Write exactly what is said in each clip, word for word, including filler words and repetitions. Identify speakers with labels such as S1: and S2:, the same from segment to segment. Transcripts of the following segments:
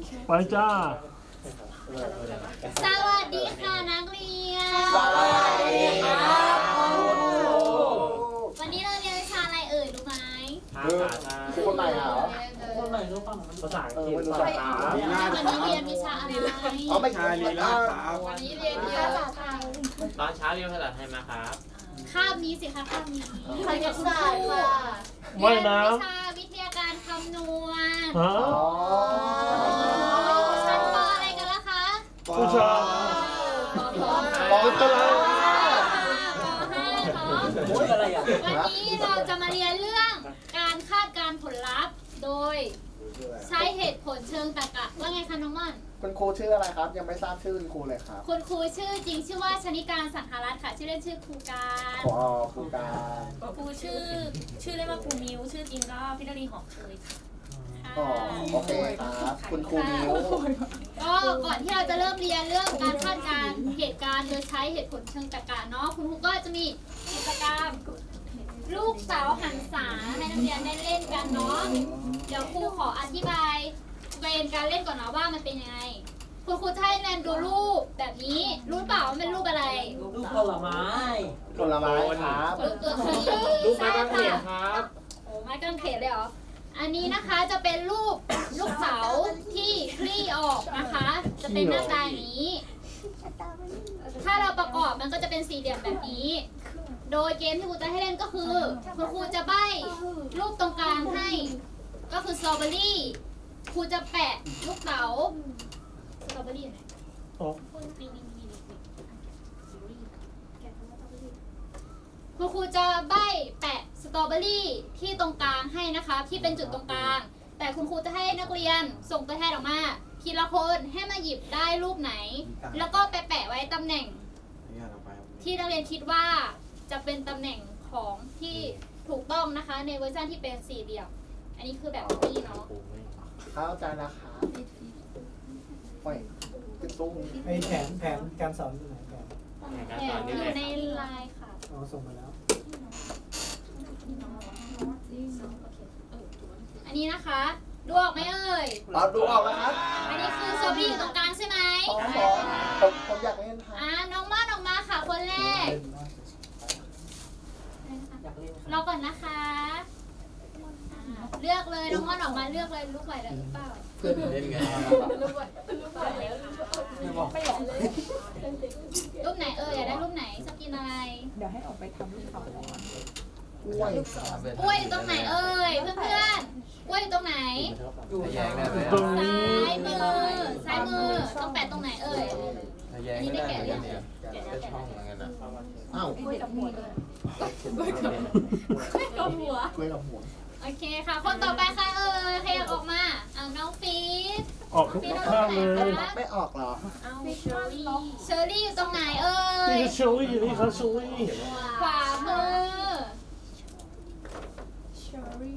S1: ไปจ้า
S2: สวัสดีค่ะนักเรียน
S3: สวัสดีครับคุณครู
S2: วันนี้เราเรียนวิชาอะไรเอ่ยรู้ไหม
S3: คือคือคนไหนเหรอ
S4: คนไหนรู้ป่ะภาษาอังกฤษ
S3: ภาษาอังกฤษ
S2: วันนี้เรียนวิชาอะไร
S3: อ๋อไม่ใช่ลีลาครับ
S2: วันนี้เรียนวิชาภาษาไทย
S4: ตอนเช้าเรียนภาษาไทยมาครับ
S2: คาบนี้สิคะคาบนี้
S5: คณิตศาสตร์ค่ะ
S1: ว่ายน้
S2: วิชาวิทยาการคำนวณ
S1: ำฮะ
S3: อ๋อ
S2: ชั้นปอะไรกันล่ะคะ
S1: ผู้ชาย
S3: ปอตะลา
S4: โอ้ยอะไรอ่ะ
S2: วันนี้เราจะมาเรียนเรื่องการคาดการณ์ผลลัพธ์ โดยใช้เหตุผลเชิงตรรกะว่าไงคะน้องม่อน
S3: คุณครูชื่ออะไรครับ ยังไม่ทราบชื่อคุณครูเลยครับ
S2: คุณครูชื่อจริงชื่อว่าชนิการสังหารัตน์ค่ะ ชื่อเล่นชื่อครูการ
S3: ขอครูการ
S5: ครูชื่อชื่อเล่นว่าครูมิวชื่อจริงก็พิรดีหอมเคยค่ะ
S3: อ๋อโอเคครับ คุณครูมิว
S2: ก็ก่อนที่เราจะเริ่มเรียนเรื่องการคาดการณ์เหตุการณ์โดยใช้เหตุผลเชิงตรรกะเนาะคุณครูก็จะมีกิจกรรมลูกสาวหันษาให้นักเรียนได้เล่นกันเนาะเดี๋ยวครูขออธิบายเกณฑ์การเล่นก่อนนะว่ามันเป็นยังไงคุณครูจะให้นักเรียนดูรูปแบบนี้รู้เปล่าว่าเป็นรูปอะไร
S4: ลูกผลไม้
S3: ผลไม้ครับ
S2: รูปตัวที
S4: ลูกไม้กางเขนครับ
S2: โอ้ไม้กางเขนเลยเหรออันนี้นะคะจะเป็นรูปลูกเสาที่คลี่ออกนะคะ จะเป็นหน้าตาอย่างนี้ ถ้าเราประกอบมันก็จะเป็นสี่เหลี่ยมแบบนี้ โดยเกมที่ครูจะให้เล่นก็คือคุณครูจะใบ้รูปตรงกลางให้ ก็คือสตรอเบอรี่ครูจะแปะลูกเต๋าสตรอเบอรี่ไหน
S1: อ๋อ
S2: นี่นี่นี่นี่แกะคำว่าสตรอเบอรี่คุณครูจะใบ้แปะสตรอเบอรี่ที่ตรงกลางให้นะคะ ที่เป็นจุดตรงกลาง แต่คุณครูจะให้นักเรียนส่งตัวแทนออกมาทีละคนให้มาหยิบได้รูปไหน แล้วก็ไปแปะไว้ตำแหน่ง ที่นักเรียนคิดว่าจะเป็นตำแหน่งของที่ถูกต้องนะคะ ในเวอร์ชันที่เป็นสี่เหลี่ยม อันนี้คือแบบนี้เนาะ
S3: เข้าใจแล้วครับโอ้ยขึ้นซุ้ม
S6: ไอแผนแผนการสอนอยู่ไหนแผน
S2: แถมอยู่ในไลน์ค่ะ
S6: อ๋อส่งมาแล้ว
S2: อันนี้นะคะดูออกไหมเอ่ย
S3: เราดูออกแล้วครับ
S2: อันนี้คือสตรอเบอรี่อยู่ตรงกลางใช่ไหม
S3: สองสองผมผมอยากเล่นครับ
S2: อ่าน้องม่อนออกมาค่ะคนแรก
S4: อยากเล่น
S2: รอก่อนนะคะอ่าเลือกเลยน้องม่อนออกมาเลือกเลยลูกไหวแล้วหรือเปล่า
S3: เพื่อนเล่นไง
S4: ไม่บอก
S2: รูปไหนเอ่ยอยากได้รูปไหนชอบกินอะไร
S5: เดี๋ยวให้ออกไปทำลูกเขาก่อน
S3: กล้วย
S2: กล้วยอยู่ตรงไหนเอ่ยเพื่อนเพื่อนๆกล้วยอยู่ตรงไหน
S4: อยู่แยงได้ไหม
S1: ตรงนี้
S2: ซ้ายมือซ้ายมือต้องแปะตรงไหนเอ่ยอันนี้ได้แกะหรือยังแกะแล้วแกะแล้ว
S3: อ้าว
S5: กล้วยกับหัวเลย
S2: กล้วยกับหัว
S3: กล้วยกับหัว
S2: โอเคค่ะ คนต่อไปค่ะเอ่ยใครอยากออกมาเอาน้องฟีด
S1: ออกทุกข้างเลย
S3: ไม่ออกเหรอ
S5: เอาเชอรี่
S2: เชอรี่อยู่ตรงไหนเอ่ย
S1: นี่คือชูรี่นี่คือชูรี่
S2: ขวามือ
S5: เชอรี่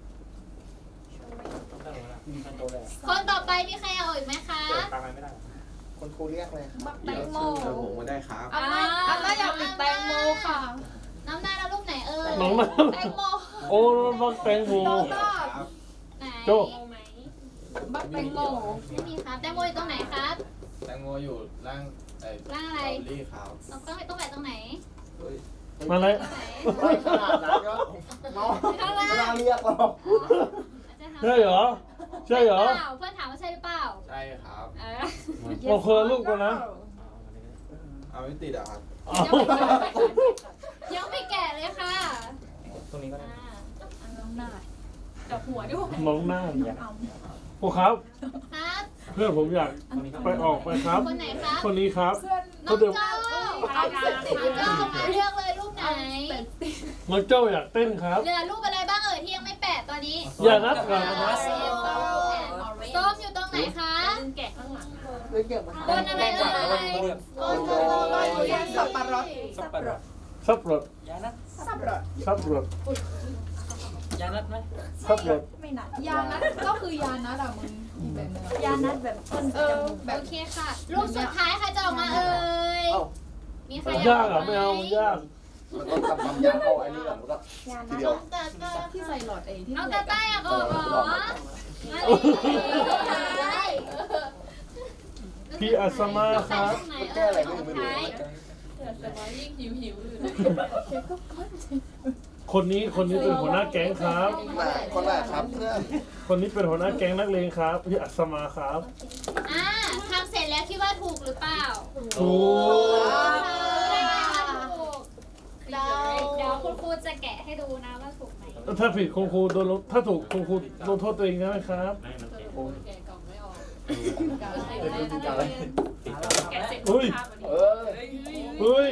S2: คนต่อไปมีใครอยากออกอีกไหมคะ
S4: ตามไปไม่ได้
S3: คุณครูเรียกเลยครับ
S5: แตงโม
S3: ผมก็ได้ครับ
S2: อ่า
S5: อันน่าอยากเป็นแตงโมค่ะ
S2: น้ำหน้าแล้วรูปไหนเอ่ย
S1: น้องน้
S5: แตงโม
S1: ำโอ้น้องแตงโม
S2: ไหน
S1: โจ้
S5: บักแตงโม
S2: ไม่มีครับแตงโมอยู่ตรงไหนครับ
S7: แตงโมอยู่ล่างไอ้
S2: ร่างอะไร
S7: สตรอเบอรี่ขาว
S2: ต้องต้องต้องแปะตรงไหน
S1: มาเลย
S2: ตรงไหน
S3: ไม่ขนาดนั้นก็น้องไม่น่าเรียกหรอก
S2: อาจจะทำ
S1: ใช่เหรอใช่เหรอ
S2: เปล่าเพื่อนถามว่าใช่หรือเปล่า
S7: ใช่ครับ
S2: เออ
S1: โอ้คนละลูกกันนะ
S7: เอาไม่ติดอ่ะครับ
S1: เอา
S2: ยังไม่แก่เลยค่ะ
S4: ตรงนี้ก็ได้
S2: อ่า
S5: น้องหน้ากับหัวด้วย
S1: น้องหน้าพวกครับ
S2: ครับ
S1: เพื่อนผมอยากไปออกไปครับ
S2: คนไหนครับ
S1: คนนี้ครับ
S2: น้อง
S1: เขาเดิ
S2: เจ้าน น้องเจ้ามาเลือกเลยรูปไหน
S1: น้องเจ้าอยากเต้นครับ
S2: เหลือรูปอะไรบ้างเอ่ยที่ยังไม่แปะตอนนี้
S1: อย่านัดกัน
S2: ส้มอยู่ตรงไหนคะ
S5: แกะข้างหลัง
S3: เล่นเก่งมาก
S2: บนอะไรเอ่ยบน
S5: สับปะรดสับปะรด
S1: ซับรถ
S4: ยานัด
S5: สับปะรด
S1: ซับรถ
S4: ยานัดไหม
S1: ซับรถ
S5: ไม่หนักยานัดก็คือยานัดอะมึงแบบยานัดแบบต้นเออแบบ
S2: โอเคค่ะ รูปสุดท้ายใครจะออกมาเอ่ย
S3: เอ้า
S2: มีใคร
S1: ยากเหรอไม่เอามันยาก
S3: มันต้องทำความยากเข้าไอ้นี่ก่อนมันก็ทีเดียว
S5: ที่ใส่หลอดไอ้ที่
S2: น้องตาต้าอยากออกเหรอมาเลย
S1: พี่อัศมา
S2: ต้อง
S1: ค
S2: ใส่
S1: รับ
S2: ตรงไหนเออตรงท้าย
S5: แต่ว่ายิ่งหิวหิวอยู่
S1: คนนี้คนนี้เป็นหัวหน้าแก๊งครับ
S3: ไหนคนแรกครับเพื่อน
S1: คนนี้เป็นหัวหน้าแก๊งนักเลงครับพี่อัศมาครับ
S2: อ่าทำเสร็จแล้วคิดว่าถูกหรือเปล่า
S1: ถูก
S2: เดี๋ยวคุณครูจะแกะให้ดูนะว่าถูกไหม
S1: ถ้าผิดคุณครูโดนลงถ้าถูกคุณครูลงโทษตัวเองได้ไหมครับ
S5: แกะกล่องไม่ออกกา
S2: แกะเสร็จ
S1: เฮ้ย
S3: เออ
S1: เฮ้ย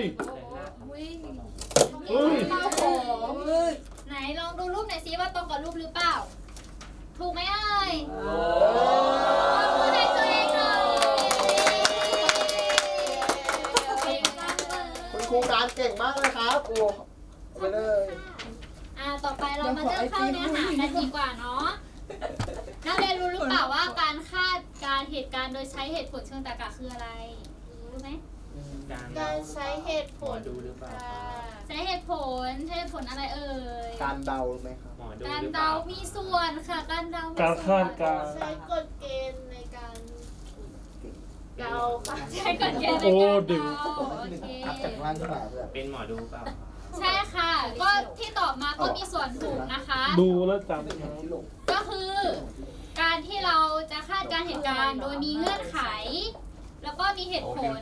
S1: เฮ้ย
S2: ไหนลองดูรูปหน่อยซิว่าตรงกับรูปหรือเปล่า ถูกไหมเอ่ยพูดให้ตัวเองหน่อยเก่งจังเลย
S3: คุณครูการเก่งมากเลยครับโอ้ไปเลย
S2: อ่าต่อไปเรามาเริ่มเข้าเนื้อหากันดีกว่าเนาะนักเรียนรู้หรือเปล่าว่าการคาดการเหตุการณ์โดยใช้เหตุผลเชิงตรรกะคืออะไร รู้ไหม
S5: การใช้เหตุผล
S4: ดูหรือเปล่า
S2: ใช้เหตุผลใช้เหตุผลอะไรเอ่ย
S3: การเดาไหมครับ
S4: หมอดู
S2: การ
S4: หรือเป
S2: เดา
S4: ล่า
S2: มีส่วนค่ะ การเดามี
S1: การ
S2: ส่
S1: คา
S2: วน
S1: ดการณ์
S5: ใช้กฎเกณฑ์ในการเดาค่ะ
S2: ใช้กฎเกณฑ์ใน
S1: โอ้
S2: การ
S1: ดึง
S2: เดาโอเค
S3: อัพจากล่างขึ้นมาเพื่อน
S4: เป็นหมอดูเปล่า
S2: ใช่ค่ะ ก็ที่ตอบมาก็มีส่วนถูกนะคะ
S1: ดูแล้วจำครับ
S3: ที่ลง
S2: ก็คือ การที่เราจะคาดการณ์เหตุการณ์โดยมีเงื่อนไข แล้วก็มีเหตุผล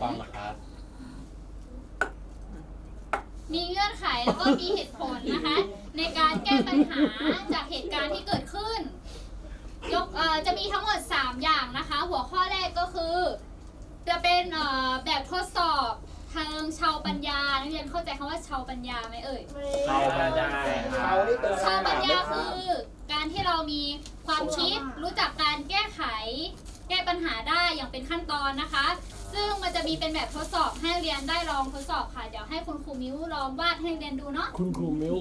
S2: มีเงื่อนไขแล้วก็มีเหตุผลนะคะ ในการแก้ปัญหาจากเหตุการณ์ที่เกิดขึ้น ยกเอ่อจะมีทั้งหมดสามอย่างนะคะ หัวข้อแรกก็คือ จะเป็นเอ่อแบบทดสอบทางชาวปัญญานักเรียนเข้าใจคำว่าชาวปัญญาไหมเอ่ย
S4: เข้ามาได้
S3: เขานี่เป็น
S2: ชาวปัญญาคือการที่เรามีความคิดรู้จักการแก้ไข แก้ปัญหาได้อย่างเป็นขั้นตอนนะคะ ซึ่งมันจะมีเป็นแบบทดสอบให้นักเรียนได้ลองทดสอบค่ะ เดี๋ยวให้คุณครูมิ้วลองวาดให้นักเรียนดูเนาะ
S1: คุณครูมิว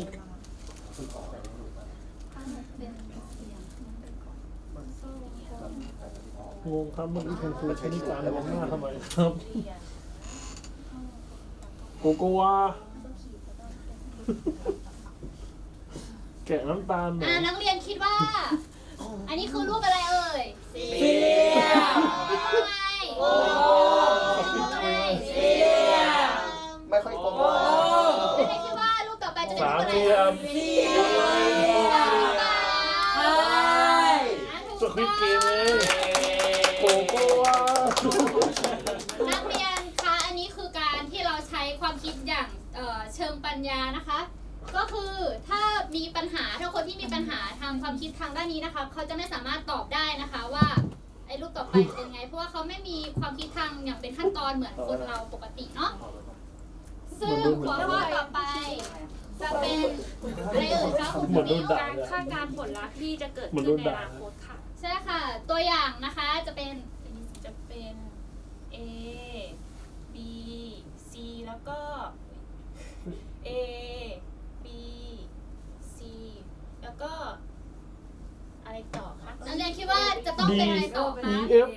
S1: งงครับเมื่อกี้คุณครูใช้นิการมองหน้าทำไมครับโกโกวาแกะน้ำตาลหน่อ
S2: อ่าย นักเรียนคิดว่า อันนี้คือรูปอะไรเอ่ย
S3: เสีย
S2: ทำไมทำไม
S3: ไม่ค่อยตรง
S2: นักเรียนคิดว่ารูปต่อไปจะเป็น
S1: สา
S2: รู
S1: ม
S2: ปอะไร
S1: เหลี่ยม สควิดเกมเลยโกโกวา
S2: นักเรียนคะอันนี้คือการที่เราใช้ความคิดอย่างเอ่อเชิงปัญญานะคะ ก็คือถ้ามีปัญหาถ้าคนที่มีปัญหาทางความคิดทางด้านนี้นะคะเขาจะไม่สามารถตอบได้นะคะว่าไอ้รูปต่อไปเป็นไง เพราะว่าเขาไม่มีความคิดทางอย่างเป็นขั้นตอนเหมือนคนเราปกติเนาะซึ่งหัวข้อต่อไปจะเป็นอะไรเอ่ยคะคุณ
S1: เหมือนโด
S2: มิ
S1: น
S2: ว
S1: ด่า
S8: การ
S1: เลย
S8: คาดการณ์ผลลัพธ์ที่จะเกิด
S1: เหมือน
S8: ขึ้
S1: โด
S8: น
S1: น
S8: ใน
S1: ด่า
S8: อนาคตค่ะ
S2: ใช่ค่ะ ตัวอย่างนะคะจะเป็น
S8: จะเป็น A B C แล้วก็ A B C แล้วก็อะไรต่อคะ
S2: นักเรียนคิดว่าจะต้องเป็นอะไรต่อคะ
S1: E F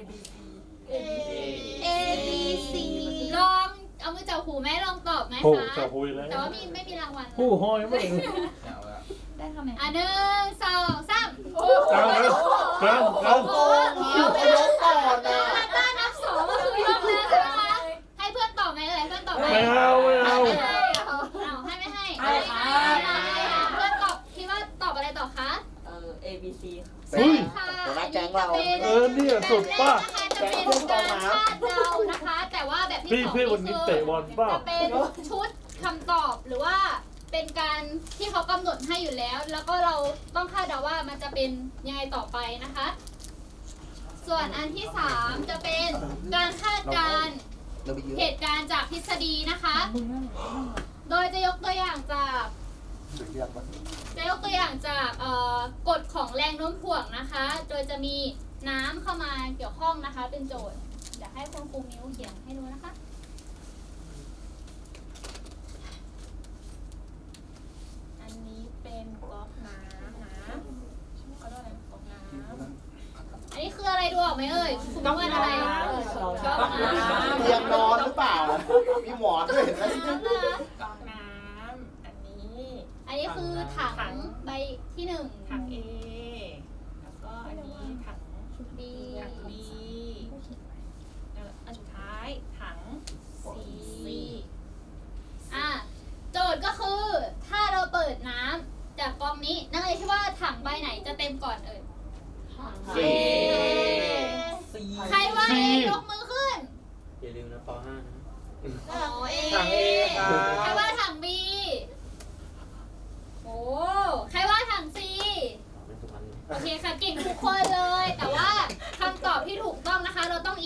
S2: A B C ลองเอามือจับหูไหมลองตอบไหม
S1: โอ้
S2: คะ
S1: จะคุยแล้ว
S2: แต่ว่ามีไม่มีรางวัลนะ
S1: ผู้ห้อยไม่
S7: เอาละ
S5: ได้ทำไม
S2: อ่ะหนึ่งสองสาม
S1: กลางนะกลางกลาง
S2: โอ้เดี๋ยว
S3: ยกก่อนนะ
S2: ถ้านับสองก็คือยกแล้วใช่ไหมคะให้เพื่อนตอบไหมเอ่ยเพื่อนตอบไหม
S1: ไม่เอาไม่เอา
S2: ไม่ให้เอาเอาให้ไม่ให้ให้เพื่อนตอบคิดว่าตอบอะไรต่อคะ
S5: เออ A B C
S1: เฮ้ย
S2: ค่ะ
S3: หัวหน้าแก๊งเรา
S1: เออเนี่ยสุดป่ะ
S2: จะเป็นการคาดเดานะคะ แต่ว่าแบบที่
S1: พี่
S2: สอง
S1: พี่วัน
S2: นี่
S1: นี้
S2: คือ
S1: เตะบอลป่ะ
S2: จะเป็นชุดคำตอบหรือว่าเป็นการที่เขากำหนดให้อยู่แล้ว แล้วก็เราต้องคาดเดาว่ามันจะเป็นยังไงต่อไปนะคะ ส่วนอันที่สามจะเป็นการคาดการณ์
S3: เราไปเยอะ
S2: เหตุการณ์จากทฤษฎีนะคะ โดยจะยกตัวอย่างจาก
S3: เรียกว่า
S2: จะยกตัวอย่างจากเอ่อกฎของแรงโน้มถ่วงนะคะ โดยจะมีน้ำเข้ามาเกี่ยวข้องนะคะ เป็นโจทย์เดี๋ยวให้คุณครูมิ้วเขียนให้ดูนะคะ
S8: อันนี้เป็นก๊อกน้ำนะเขาเรียกอะไรก๊อกน้ำ
S2: อันนี้คืออะไรดูออกไหมเอ่ยคุณมิ้วว่าอะไรก๊อกน้ำ
S3: เตียงนอนหรือเปล่า มีหมอนด้วยเห็นไหม
S8: ก๊อกน้ำอันนี้
S2: อันนี้คือถังใบที่หนึ่ง
S8: ถัง A แล้วก็อันนี้ถัง
S2: B
S8: ถัง B แล้วอันสุดท้าย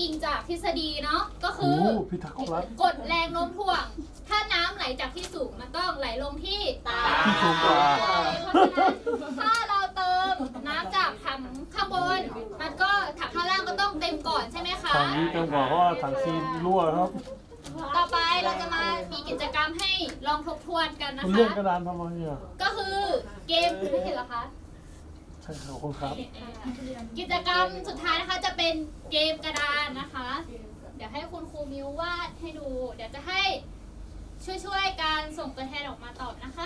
S2: อิงจากทฤษฎีเนาะก็คื
S1: โอ้
S2: อ
S1: พิทักษ์รัฐ
S2: กดแรงโน้มถ่วง ถ้าน้ำไหลจากที่สูงมันต้องไหลลงที่ต่
S1: ที่สูงกว่า
S2: ำเพราะฉะนั้นถ้าเราเติมน้ำจากถังข้างบน มันก็ถังข้างล่างก็ต้องเต็มก่อนใช่ไหมคะ
S1: ทางนี้จังหวะเพราะว่าถังซีนรั่วครับ
S2: ต่อไปเราจะมามีกิจกรรมให้ลองทบทวนกันนะ
S1: คุณ
S2: คะ
S1: เลื่อนกระดานทำไมอ่ะ
S2: ก็คือเกมไม่เห็นเหรอคะ
S1: ใช่ครับคุณครับ
S2: กิจกรรมสุดท้ายนะคะจะเป็นเกมกระดานนะคะ เดี๋ยวให้คุณครูมิววาดให้ดู เดี๋ยวจะให้ช่วยๆการส่งตัวแทนออกมาตอบนะคะ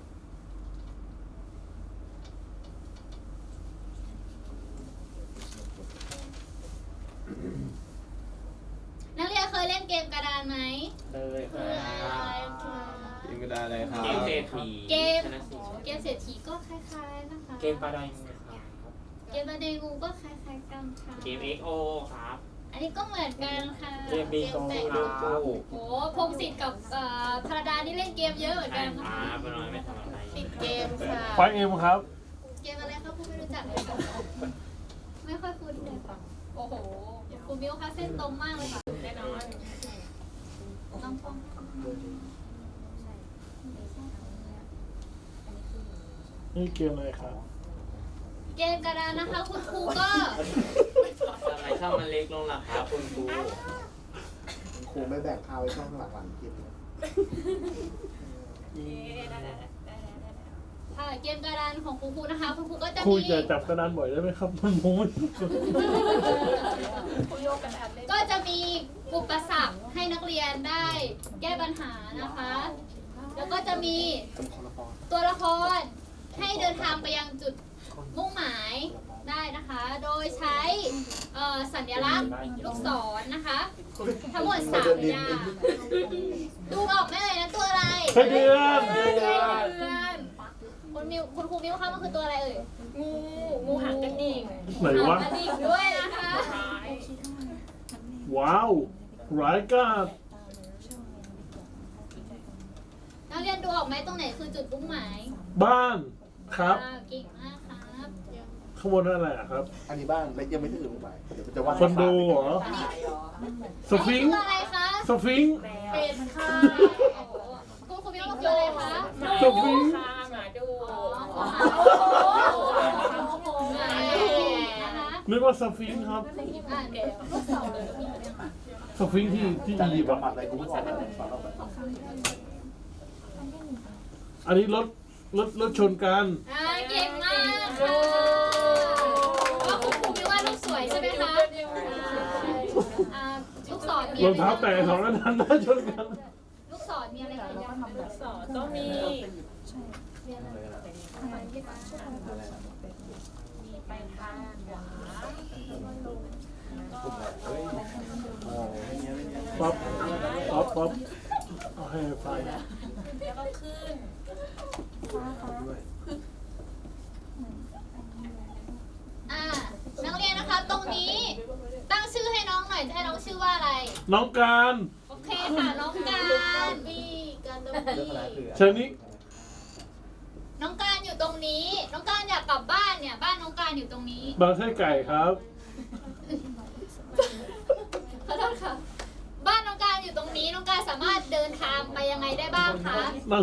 S2: นักเรียนเคยเล่นเกมกระดานไหม
S4: เลยค
S2: เค
S4: รับ
S2: ยค่ะ
S7: กินกระดาษอะไรครับ
S4: เกมเศรษฐี
S2: เกม
S4: ชนะสี่
S2: เกมเศรษฐีก็คล้ายๆนะคะ
S4: เกมปลาไดงูครับ
S2: เกมประเดงูก็คล้ายๆกันค่ะ
S4: เกม เอ็กซ์ โอ ครับ
S2: อันนี้ก็เหมือนกันค่ะ
S4: เกมบีโก
S2: แตะ
S4: ค
S2: ลู
S4: รั
S2: ก
S4: บ
S2: โอ้พงศิษฐ์กับเอ่อพระดานี่เล่นเกมเยอะเหมือน
S4: ใช่
S2: กันนะ
S4: ค
S2: คะ
S4: รับเป็นน้อยไม่ทำอะไร
S5: ติดเกมค่ะ
S1: ไฟเอ็มครับ
S2: เกมอะไรครับผู้ไม่รู้จักเลยค่ะไม่ค่อยคุ้นเลยค่ะโอ้โหคุณมิวคะเส้นตรงมากเลยค่ะแน่นอนต้องป้อง
S1: นี่เกมอะไรครับ
S2: เกมกระดานนะคะ คุณครูก็
S4: ทำไมช่องมันเล็กลงล่ะครับคุณครู
S3: ครูไม่แบ่งข้าวไว้ช่องหลังๆคลิปเลย
S2: ค่ะเกมกระดานของคุณครูนะคะ คุณครูก็จะ
S1: ครู
S2: มี
S1: จะจับกระดานบ่อยได้ไหมครับมันมุ้ง
S5: คุยโยกกันอัดเล่น
S2: ก็จะมีอุปสรรคให้นักเรียนได้แก้ปัญหานะคะ แล้วก็จะมี
S3: เป็นคนละคร
S2: ตัวละครให้เดินทางไปยังจุดมุ่งหมายได้นะคะ โดยใช้เอ่อสัญลักษณ์ลูกศรนะคะ ทั้งหมดสามอย่างดูออกไหมเลยนะตัวอะไร
S1: ไส้เดือน
S2: ไส้เดือนคุณมิวคุณครูมิวคะมันคือตัวอะไรเอ่ย
S8: งูงูหางกระดิ่ง
S1: ไหนวะ
S2: กระดิ่งด้วยนะคะ
S1: ว้าวร้ายกาจ
S2: นักเรียนดูออกไหมตรงไหนคือจุดมุ่งหมาย
S1: บ้านครับ
S2: อ่าเก่งมากครับ
S1: ข้างบนนั่นอะไรอะครับ
S3: อันนี้บ้านและยังไม่ถึงหมายเดี๋ยวมันจะวาด
S1: คอนโดเหรอ สฟิงค์
S2: ตัวอะไรคะ
S1: สฟิงค์
S2: เป็นค่ะโอ้โหคุณครูมิวคืออะไรคะ
S1: สฟิงค์
S8: ค่ะหมาดู
S2: อ๋อขอหาโอ้โหนะคะ
S1: นึกว่าสฟิงค์ครับ
S2: อ่าเดี๋ยวลูกศรเลย
S1: สฟิงค์ที่ที่
S3: จะ
S1: อี
S3: รี
S1: ยิ
S3: บ
S1: ปต์
S3: บำบั
S1: อะ
S3: ดอะไรกูไม่ออกเลยสอนเราแบบ
S1: อันนี้รถรถรถชนกัน
S2: อ่าเก่งมากค่ะก็คุณครูมิวว่าลูกสวยใช่ไหมคะอ่าลูกศรมี
S1: รองเท้าแตะสองอันนั้นน่าชนกัน
S2: ลูกศรมีอะไรกันบ้าง
S8: ลูกศรก็มีมีไปทางขวา
S1: ป๊อปป๊อปป๊อปเอาให้ไฟ
S8: แล้วก็ขึ้น
S2: อ่านักเรียนนะคะ ตรงนี้ตั้งชื่อให้น้องหน่อยจะให้น้องชื่อว่าอะไร
S1: น้องการ
S2: โอเคค่ะน้องการบีการดบี
S1: เชิญนี้
S2: น้องการอยู่ตรงนี้ น้องการอยากกลับบ้านเนี่ย บ้านน้องการอยู่ตรงนี้
S1: บางไส้ไก่ครับ
S2: ขอโทษค่ะ บ้านน้องการอยู่ตรงนี้ น้องการสามารถเดินทางไปยังไงได้บ้างคะ
S1: นั่ง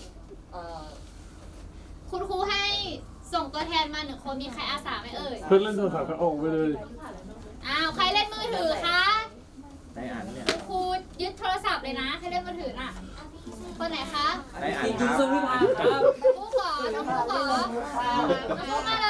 S2: คุณครูให้ส่งตัวแทนมาหนึ่งคน มีใครอาสาไหมเอ่ย
S1: เพื่อนเล่นโทรศัพท์ก็ออกไปเลย
S2: อ้าว ใครเล่นมือถือคะ
S7: ได้อ่านเนี่ย
S2: ครูยึดโทรศัพท์เลยนะ ใครเล่นมือถือน่ะ คนไหนคะ
S7: ได้อ่าน
S4: จริงๆสวิภาครับ
S2: ครูขอ น้องครูขอน้องครูมาเลย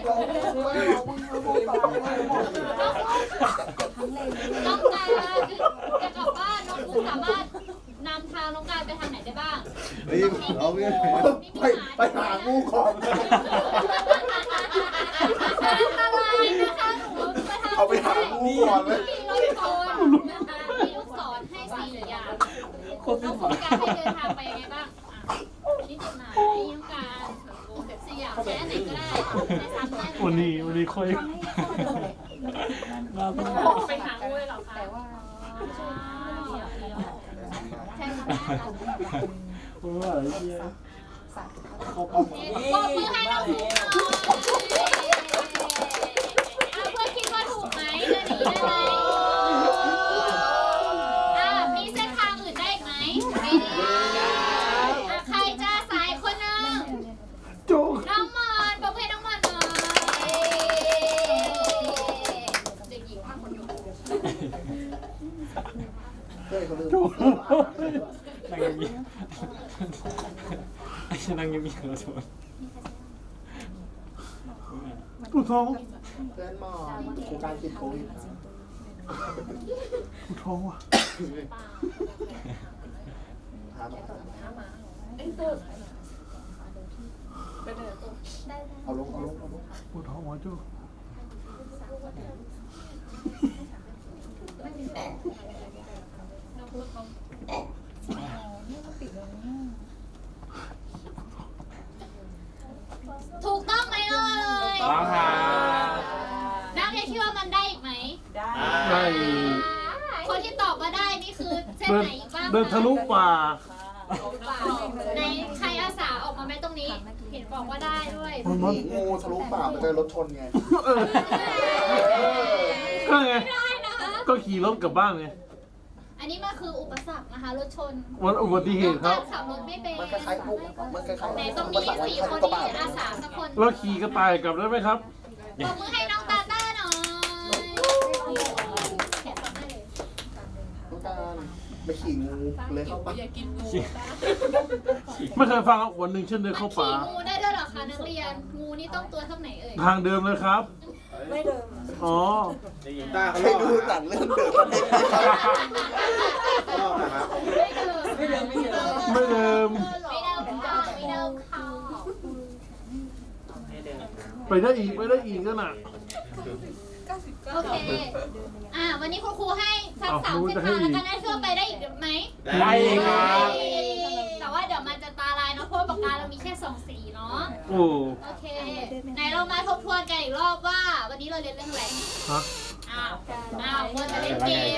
S2: น้องการจะกลับบ้านน้องครูสามารถนำทางน้องการไปทางไหนได้บ้าง
S3: รีบเอาเงี้ยไปไปหางูของ
S2: อันตรายนะคะหนูไปทาง
S3: เอาไปหางูก่อนเลย
S2: มีลูกศรนะคะมีลูกศรให้สี่อย่างน้องครูการให้เดินทางไปยังไงบ้างอ่ะนี่จุดไหนน้องการสี่อย่างแค่ไหนก็ได้ในสามได้
S1: วันนี้วันนี้ค่อย
S8: ไปหางูเลยเหรอคะ
S5: แต่ว่า
S2: ใช่ค่ะ
S1: เพราะว่าอะไรเงี้ย
S2: ปรบมือให้น้องครูหน่อยเอาเพื่อนคิดว่าถูกไหมเดินหนีได้ไหม
S3: พื่อนเขาลืม
S1: นั่งเงียบไอ้ฉันนั่งเงียบๆแล้วโทษปวดท้อง
S3: เพื่อนหมอโครงการติดโควิดนะ
S1: ปวดท้องว่ะ
S3: ถามมาเอาลงเอาลงเอาลง
S1: ปวดท้องว่ะจู้
S2: ถูกต้องไหมเอ่ย
S4: ต้องครับ
S2: นักเรียนคิดว่ามันได้อีกไหม
S1: ได้
S2: คนที่ตอบว่าได้นี่คือเส้น
S1: เดิน
S2: ไหนอีกบ้างคะ
S1: เดินทะลุป่า
S2: ในใครอาสาออกมาไหมตรงนี้ เห็นบอกว่าได้ด้วย
S3: หนีงูทะลุป่ามาเจอรถชนไง
S1: เออก็ไง
S2: ได้นะคะ
S1: ก็ขี่รถกลับบ้านไง
S2: อันนี้มันคืออุปสรรคนะคะรถชน
S1: วันอุบัติเหตุครับ
S2: น้องการขับรถไม่เป็น
S3: มันคล้ายๆพวกมันคล้ายๆ
S2: ไหนตรงนี้สี่คนที่อาสาสักคน
S1: เราขี่กระต่ายกลับได้ไหมครับ
S2: ปรบมือให้น้องตาต้าหน่อยแขนได้เลย
S3: ต้องการไปขี่งูเลยเข้าป่า
S1: ไม่เคยฟังวันหนึ่งฉันเดิน
S2: มัน
S1: เข้า
S2: ขี่
S1: ป่า
S2: งูได้ด้วยเหรอคะนักเรียน งูนี่ต้องตัวเท่าไหนเอ่ย
S1: ทางเดิมเลยครับ
S5: ไม่เดิม
S1: อ๋อ
S7: ในหญิงต้าเขา
S3: ให้
S7: ลอก
S3: ดู
S7: นะ
S3: หนังเรื่องเดินกันเอง
S7: ลอกนะครับ
S2: ไม่เดิม
S5: ไม่เดิมไม่เดิม
S1: ไม่เดิม
S2: ไม่เดิมค่ะไม่เดิมค่ะ
S4: ให้เดิน
S1: ไปได้อีกไปได้อีกก็น่ะ
S2: โอเค อ่า วันนี้คุณครูให้สัก
S1: เอา
S2: สาม
S1: ครู
S2: เส้น
S1: จะให้
S2: ทาง
S1: อี
S2: แล้ว
S1: ก
S2: กันได้เชื่อไปได้อีกไหม
S4: ได้ครับ
S2: แต่ว่าเดี๋ยวมันจะตาลายเนาะเพราะว่าปากกาเรามีแค่สองสีเนาะ
S1: โอ้
S2: โอเค ไหนเรามาทบทวนกันอีกรอบว่า วันนี้เราเรียนเรื่องอะไร
S1: ฮะ
S2: อ้าว อ้าวควรจะเล่นเกม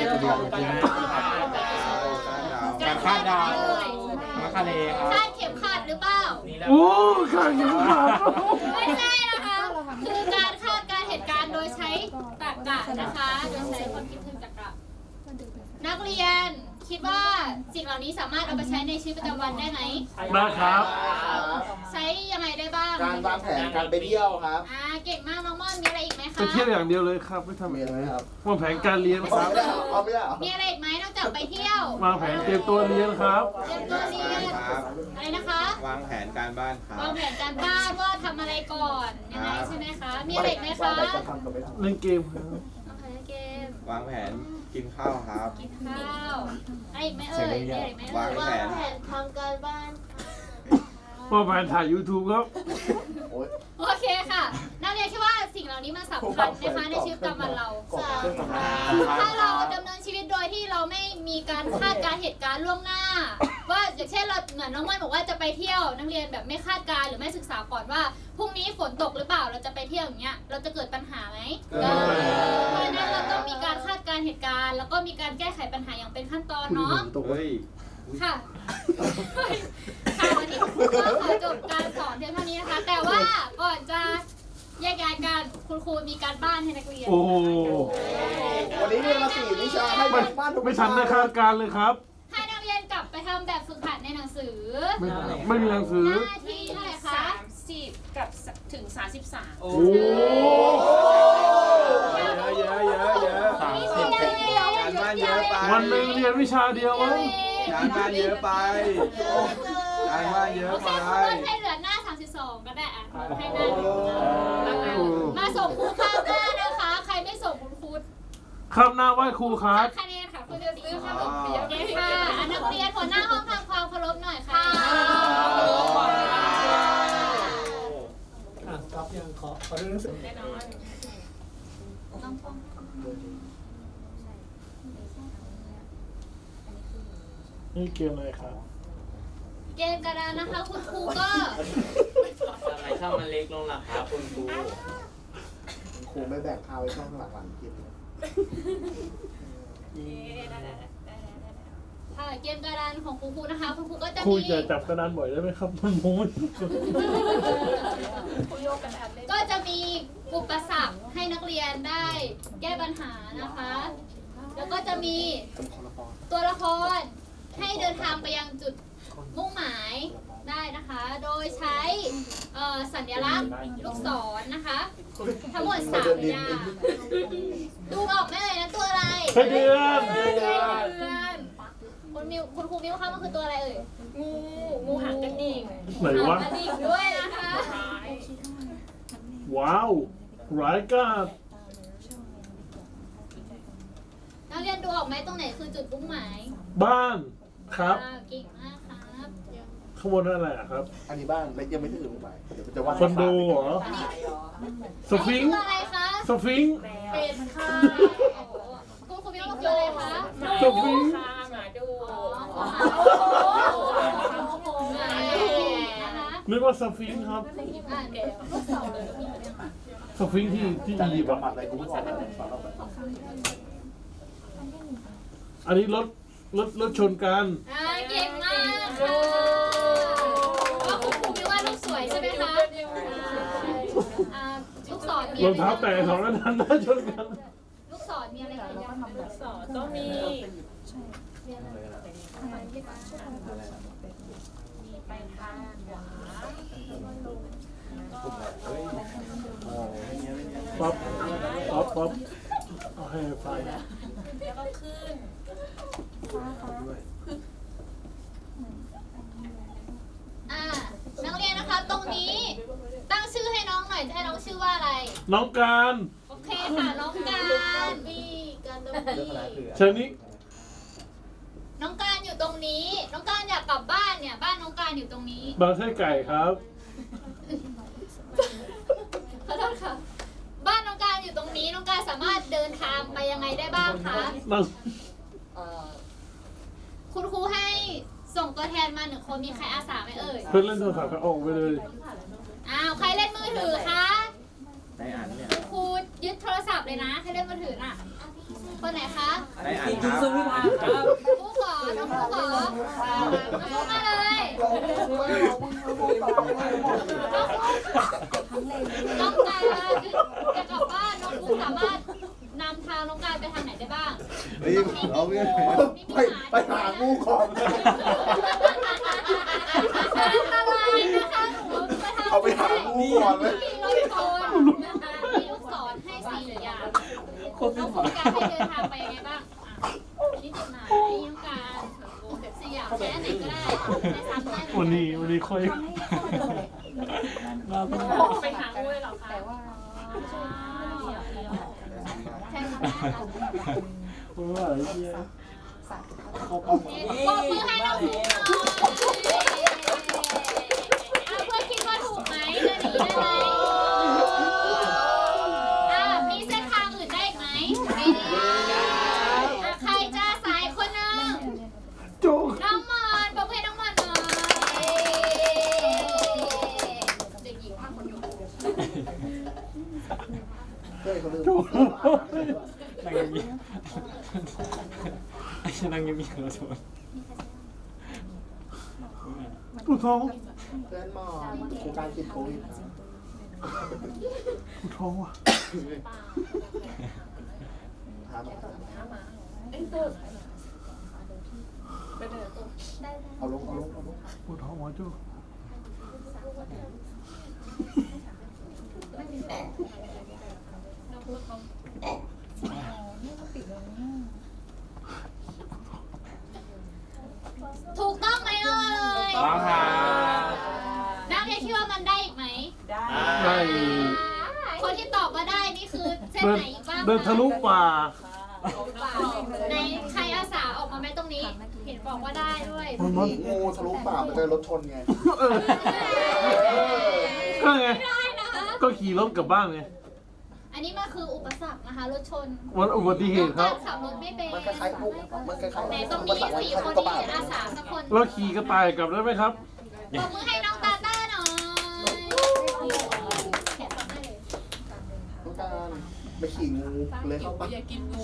S4: การคาดดาวมาคาเลครับ
S2: คาดเข็มขัดหรือเปล่า
S4: นี่แล้ว
S1: โอ้ข้างยังขาด
S2: ไม่ใช่นะคะ คือการคาดการณ์เหตุการณ์โดยใช้ตรรกะนะคะ โดยใช้ความคิดเชิงตรรกะ นักเรียนคิดว่าสิ่งเหล่านี้สามารถเอาไปใช้ในชีวิตประจำวันได้ไหม
S1: ได้ครับ
S2: ใช้ยังไงได้บ้าง
S3: การวางแผนการไปเที่ยวครับ
S2: อ่า เก่งมากน้องม่อนมีอะไรอีกไหม
S1: ไป
S2: คะ
S1: เที่ยวอย่างเดียวเลยครับ ไม่ทำ
S3: มี
S1: อะ
S3: อะไร
S1: ไร
S3: ครับ
S1: วางแผนการเรียนค
S3: เอา
S1: รับ
S3: ไม่ได้เอาไม่ได้
S2: มีอะไรอีกไหมนอกจากไปเที่ยว
S1: วางแผนเตรียมตัวเรียนครับ
S2: เตรียมตัวเรียน
S7: ครับ
S2: อะไรนะคะ
S7: วางแผนการบ้านครั
S2: วาง
S7: บ
S2: แผนการบ้านว่าทำอะไรก่อนยังไงใช่ไหมคะ มีอะไรอีกไหมคะ
S3: จะทำกับไม่ทำ
S1: เล่นเกมครับ
S2: โอเคเกม
S7: วางแผนกินข้าวครับ
S2: กินข้าวอะไรอีกไหมเอ่ยมีอะไรอีกไหมเอ่
S7: วาง
S2: ย
S7: แผน
S2: ทำการบ้าน
S1: วางแผนถ่าย YouTube ครับ
S3: โอ๊ย
S2: โอเคค่ะนักเรียนคิดว่าสิ่งเหล่านี้มันสำคัญนะคะในชีวิตประจำวันเรา
S3: กรอบเครื่องทำงาน
S2: ถ้าเราดำเนินชีวิตโดยที่เราไม่มีการคาดการณ์เหตุการณ์ล่วงหน้า ว่าอย่างเช่นเราเหมือนน้องม่อนบอกว่าจะไปเที่ยวนักเรียนแบบไม่คาดการณ์หรือไม่ศึกษาก่อนว่าพรุ่งนี้ฝนตกหรือเปล่าเราจะไปเที่ยวอย่างเงี้ยเราจะเกิดปัญหาไหมเพราะฉะนั้นเราต้องมีการคาดการณ์เหตุการณ์ แล้วก็มีการแก้ไขปัญหาอย่างเป็นขั้นตอนเนาะ
S7: เฮ้ย
S2: ค่ะ ค่ะวันนี้คุณครูก็ขอจบการสอนเพียงเท่านี้นะคะ แต่ว่าก่อนจะแยกย้ายกันคุณครูมีการบ้านให้นักเรียน
S1: โอ้
S3: วันนี้เรียนมาสี่วิชาให้
S1: ไม่
S3: บ้านทุก
S1: ไม่ทันได้คาดการณ์เลยครับ
S2: ให้นักเรียนกลับไปทำแบบฝึกหัดในหนังสือ
S1: ไม่ไม่มีหนังสือ
S2: หน้าที่เท่าไหร่คะ
S8: สามสิบกับถึงสามสิบสาม
S1: โอ้
S7: เยอะเยอะเยอะเยอะ
S2: มีเดียวเดียว
S7: การบ้านเยอะไป
S1: วันหนึ่งเรียนวิชาเดียวมั้ง
S7: การบ้านเยอะไป การบ้านเยอะ
S2: โอ
S7: ไป
S2: เคคุณให้เหลือหน้าสามสิบสองก็ได้อ่ะให้หน้าหนึ่งมาส่งครูข้างหน้านะคะ ใครไม่ส่งคุณครู
S1: ครับหน้าไหว้ครูครับ
S2: คะแนนค่ะคุณจะซื้อขนมเปี๊ยะเย้ค่ะอันนักเรียนหัวหน้าห้องทำความเคารพหน่อยค่ะ
S6: อ่ะครับยังขอขอดูหนังสือ
S8: แน่นอน
S1: นี่เกมอะไรครับ
S2: เกมกระดานนะคะ คุณครูก็
S4: ทำไมช่องมันเล็กลงล่ะครับคุณครู
S3: ครูไม่แบ่งข้าวไว้ช่องหลังๆกิน
S8: เย้ได้ได้ได้ได้ได้ได้
S2: ค่ะเกมกระดานของคุณครูนะคะ คุณครูก็จะ
S1: ครู
S2: มี
S1: จะจับกระดานบ่อยได้ไหมครับมันโม้ย
S8: คุยโยกกันทันเลย
S2: ก็จะมีอุปสรรคให้นักเรียนได้แก้ปัญหานะคะ แล้วก็จะมี
S3: จำคอละคร
S2: ตัวละครให้เดินทางไปยังจุดมุ่งหมายได้นะคะ โดยใช้เอ่อสัญลักษณ์ลูกศรนะคะ ทั้งหมดสามอย่าง ดูออกไหมเลยนะตัวอะไร
S1: ไส้เดือน
S2: ไส้เดือนมิวคุณครูมิวคะมันคือตัวอะไรเอ่ย
S8: งูงูหางกระดิ่ง
S1: ไหนวะ
S2: กระดิ่งด้วยนะคะ
S8: ร้าย
S1: ว้าวร้ายกาจ
S2: นักเรียนดูออกไหมตรงไหนคือจุดมุ่งหมาย
S1: บ้านครับ
S2: อ่าเก่งมากครับ
S1: ข้างบนนั่นอะไรอะครับ
S3: อันนี้บ้านและยังไม่ถึงลงไปเดี๋ยวจะวาด
S1: คอนโดเหรอสฟิง
S2: นี่
S1: ค์
S2: คืออะไรคะ
S1: สฟิงค์
S2: เป็ดค่ะคุณครูมิวมันคืออะไรคะ
S8: หมา
S1: จ
S8: ดู
S1: บวิ่ง
S8: ค่ะหมาดู
S2: อ๋อนะคะ
S1: นึกว่าสฟิงค์ครับ
S2: อ่าเดี๋ยวลูกศร
S1: สฟิงค์ที่ที่
S3: จะ
S1: อี
S3: รี
S1: ยิ
S3: บ
S1: ปต์
S3: บำบั
S1: อะ
S3: ดอะไรกูไม่ออกเลยสอนเราไป
S1: อันนี้รถรถรถชนกัน
S2: อ่าเก่งมากค่ะว่าคุณครูมิวว่าลูกสวยใช่ไหมคะอ่าลูกศรมี
S1: ร
S2: อะ
S1: อง
S2: ไร
S1: เท้า
S2: บ้าง
S1: แตะสองนั้นน่าชนกัน
S2: ลูกศรมีอะไรบ้าง
S8: สอนก็มีมีไปทางขวา
S1: ป๊อปป๊อปป๊อปเอาให้ไฟ
S8: แล้วก็ขึ้น
S2: อ่านักเรียนนะคะตรงนี้ตั้งชื่อให้น้องหน่อยจะให้น้องชื่อว่าอะไร
S1: น้องการ
S2: โอเคค่ะน้องการบีการดบี
S1: เชิญนี้
S2: น้องการอยู่ตรงนี้ น้องการอยากกลับบ้านเนี่ย บ้านน้องการอยู่ตรงนี้
S1: บางไส้ไก่ครับ
S2: ขอโทษค่ะ บ้านน้องการอยู่ตรงนี้ น้องการสามารถเดินทางไปยังไงได้บ้างคะ
S1: นั่ง
S2: คุณครูให้ส่งตัวแทนมาหนึ่งคน มีใครอาสาไหมเอ่ย
S1: เพื่อนเล่นโทรศัพท์ก็ออกไปเลย
S2: อ้าว ใครเล่นมือถือคะ
S7: ได้อ่านเนี่ย
S2: คุณครูยึดโทรศัพท์เลยนะ ให้เล่นมือถือน่ะ คนไหนคะ
S7: ได้อ่าน
S6: กิน
S7: ค
S6: ทุ
S7: รั
S6: ก
S7: บ
S6: สวิพาครับ
S2: ผู้ขอน้องผู้ขอน้องผู้มาเลยน้องการจะกลับบ้านน้องผู้สามารถนำทางน้องการไปทางไหนได้บ้าง
S3: รีบเอาเงี้ยไปไปหางูก่อน
S2: อันตรายนะคะหนูไปทาง
S3: เอาไปหางูก่อนเลย
S2: มีรถชนนะคะมีลูกศรให้สี่อย่างน้องผู้การให้เดินทางไปยังไงบ้างอ่ะนี่จุดไหนน้องการสยามแค่ไหนก็ได้ในซ้ำได้หม
S1: วั
S2: ด
S1: นนี้วันนี้ค่อย
S6: มาเพิ่ง
S8: ไปหางูเลยเหรอคะ
S2: ใช่ค่ะ
S1: เพราะว่าอะไรเงี้ย
S2: ปรบมือให้น้องถูกหน่อยเอาเพื่อนคิดว่าถูกไหมจะหนีได้ไหมอ่ะมีเส้นทางอื่นได้อีกไหมไม่ได้อ่ะใครจะสายคนหนึ่ง
S1: โจ
S2: น้องมอนปรบมือให้น้องมอนหน่อยเด็กหญิงมากคนอยู่
S3: เฮ้ยเขาลืม
S6: นั่งเงียบไอ้ฉันนั่งเงียบๆแล้วโทษ
S1: ปวดท้อง
S3: เพื่อนหมอกูการติดโควิด
S1: ปวดท้องว่ะ
S3: ถามเอาลงเอาลงเอาลง
S1: ปวดท้องว่ะโจ
S2: ถูกต้องไหมเอ่ย
S7: ต้องครับ
S2: นักเรียนคิดว่ามันได้อีกไหม
S1: ได้
S2: คนที่ตอบมาได้นี่คือเส้น
S1: เดิน
S2: ไหนอีกบ้างค
S1: เดินทะลุป่า
S2: ในใครอาสาออกมาไหมตรงนี้ เห็นบอกว่าได้ด้วย
S1: มันมัน
S3: งูทะลุป่าไปเจอรถชนไง
S1: เออก็ไง
S2: ได้นะคะ
S1: ก็ขี่รถกลับบ้านไง
S2: อันนี้มันคืออุปสรรคนะคะรถชน
S1: วันอุบัติเหตุครับ
S2: ขับรถไม่เป็น
S3: มันคล้ายๆพวกมันคล้ายๆ
S2: ไหนตรงนี้สี่คนนี้อาสาสักคน
S1: เราขี่กระต่ายกลับได้ไหมครับ
S2: ปรบมือให้น้องตาต้าหน่อยแขนซ้อนได้เลย
S3: ต้องการไปขี่งูเลยเข้าป่า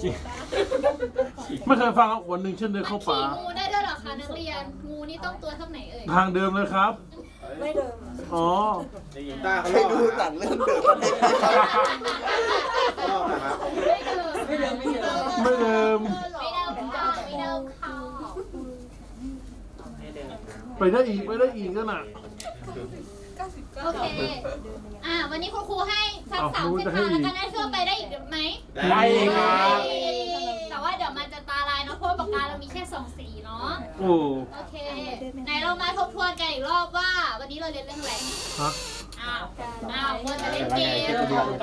S1: ไม่เคยฟังวันหนึ่งฉันเดิน
S2: มัน
S1: เข้า
S2: ขี่
S1: ป่า
S2: งูได้ด้วยเหรอคะนักเรียน งูนี่ต้องตัวเท่าไหนเอ่ย
S1: ทางเดิมเลยครับ ไม่เดิม อ๋อ
S7: ได้ยินต้าเขา
S3: ให้
S7: เล่า
S3: ดูหนังเรื่องเดิมกันเอง
S7: เล่านะครับ
S2: ไม่เดิม
S6: ไม่เดิมไม่เดิม
S1: ไม่เดิม
S2: ไม่เดิมค่ะไม่เดิมค่ะ
S4: ให้เดิน
S1: ไปได้อีกไปได้อีกก็น่ะ
S2: โอเค อ่า วันนี้คุณครูให้ทั้ง
S1: อ้าว
S2: สาม
S1: ครู
S2: เส้น
S1: จะให้
S2: ทางแล้วกันนะเชื่อไปได้อีกไหม
S7: ได้ครับ
S2: แต่ว่าเดี๋ยวมันจะตาลายเนาะเพราะว่าปกกาเรามีแค่สองสีเนาะ
S6: โอ้
S2: โอเคไหนเรามาทบทวนกันอีกรอบว่า วันนี้เราเรียนเรื่องอะไร
S6: ฮะ
S2: อ้าวอ้าวควรจะเล่นเกม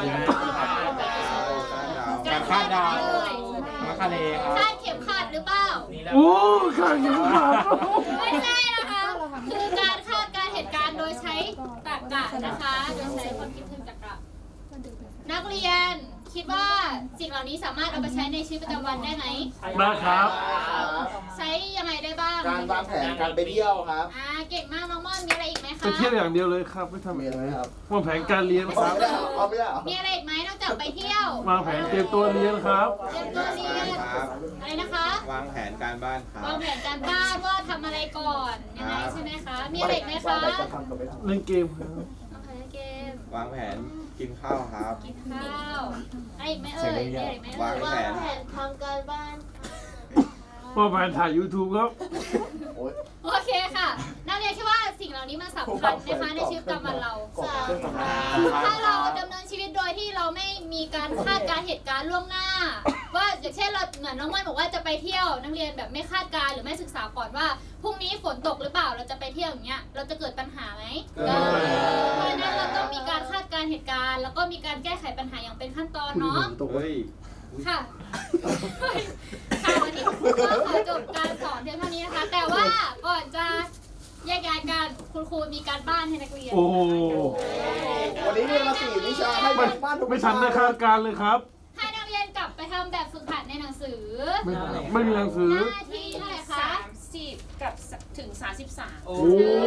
S6: การคาดดาวมาคาเลครับ
S2: คาดเข็มขัดหรือเปล่า
S6: โอ้ข้างยังขาด
S2: ไม่ใช่นะคะ คือการคาดการณ์เหตุการณ์โดยใช้ตรรกะนะคะ โดยใช้ความคิดเชิงตรรกะ นักเรียนคิดว่าสิ่งเหล่านี้สามารถเอาไปใช้ในชีวิตประจำวันได้ไหม
S6: นะครับ
S2: ใช้ยังไงได้บ้าง
S3: การวางแผนการไปเที่ยวครับ
S2: อ่า เก่งมากน้องม่อนมีอะไรอีกไหม
S6: ไป
S2: คะ
S6: เที่ยวอย่างเดียวเลยครับ ไม่ทำ
S3: มี
S6: อะไร
S3: อะไรไหมครับ
S6: วางแผนการเรียนค
S3: เอา
S6: รับ
S3: ไม่ได้เอาไม่ได้
S2: มีอะไรอีกไหมนอกจากไปเที่ยว
S6: วางแผนเตรียมตัวเรียนครับ
S2: เตรียมตัวเรียน
S7: ครับ
S2: อะไรนะคะ
S7: วางแผนการบ้านครั
S2: วา
S7: บ
S2: งแผนการบ้านว่าทำอะไรก่อนยังไงใช่ไหมคะ มีอะไรอีกไหมคะ
S3: จะทำกับไม่ทำ
S6: เล่นเกมครับ
S2: โอเคเกม
S7: วางแผนกินข้าวครับ
S2: กินข้าวอะไรอีกไหมเอ่ยมีอะไรอีกไหม
S7: วา
S2: เอ่
S7: ง
S2: ย
S7: แผน
S5: ทำการบ้าน
S6: วางแผนถ่าย YouTube ครับ
S3: โอ๊ย
S2: โอเคค่ะ นักเรียนคิดว่าสิ่งเหล่านี้มันสำคัญนะคะในชีวิตประจำวันเรา
S3: กดเครื่องทำงาน
S2: ถ้าเราดำเนินชีวิตโดยที่เราไม่มีการคาดการณ์เหตุการณ์ล่วงหน้า ว่าอย่างเช่นเราเหมือนน้องมันบอกว่าจะไปเที่ยวนักเรียนแบบไม่คาดการณ์หรือไม่ศึกษาก่อนว่าพรุ่งนี้ฝนตกหรือเปล่าเราจะไปเที่ยวอย่างเงี้ยเราจะเกิดปัญหาไหมเพราะฉะนั้นเราต้องมีการคาดการณ์เหตุการณ์แล้วก็มีการแก้ไขปัญหาอย่างเป็นขั้นตอนเนาะ
S7: เฮ้ย
S2: ค่ะค่ะวันนี้ก็ขอจบการสอนเพียงเท่านี้นะคะ แต่ว่าก่อนจะแยกย้ายกันคุณครูมีการบ้านให้นักเรียน
S6: โอ้โห
S3: วันนี้เรียนมาสี่วิชาให้
S6: ไม่
S3: บ้านทุก
S6: ไม่ทันได้คาดการณ์เลยครับ
S2: ให้นักเรียนกลับไปทำแบบฝึกหัดในหนังสือ
S6: ไม่ไม่มีหนังสือ
S2: หน้าที่เท่าไหร่คะ
S8: สามสิบกับถึงสามสิบสาม
S6: โอ้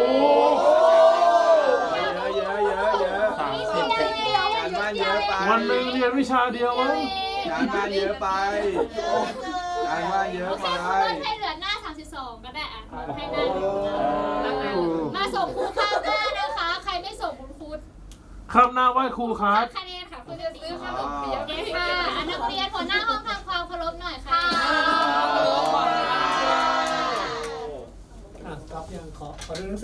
S7: เยอะเยอะเยอะเยอะ
S2: นี่เดียวเดียว
S7: การบ้านเยอะไป
S6: วันหนึ่งเรียนวิชาเดียวมั้ง
S7: การบ้านเยอะไป การบ้านเย
S2: โอ
S7: อะ
S2: เค
S7: ไป
S2: ครูลดให้เหลือหน้าสามสิบสองก็ได้อะให้หน้าหนึ่งนะคะมาส่งครูข้างหน้านะคะ ใครไม่ส่งคุณครู
S6: ครับหน้าไหว้ครูครับ
S2: คะแนนค่ะคุณจะซื้อขนมเปี๊ยะค่ะอ่ะนักเรียนหัวหน้าห้องทำความเคารพหน่อยค่ะ
S1: อ่ะกลับยังขอขอเรื่อง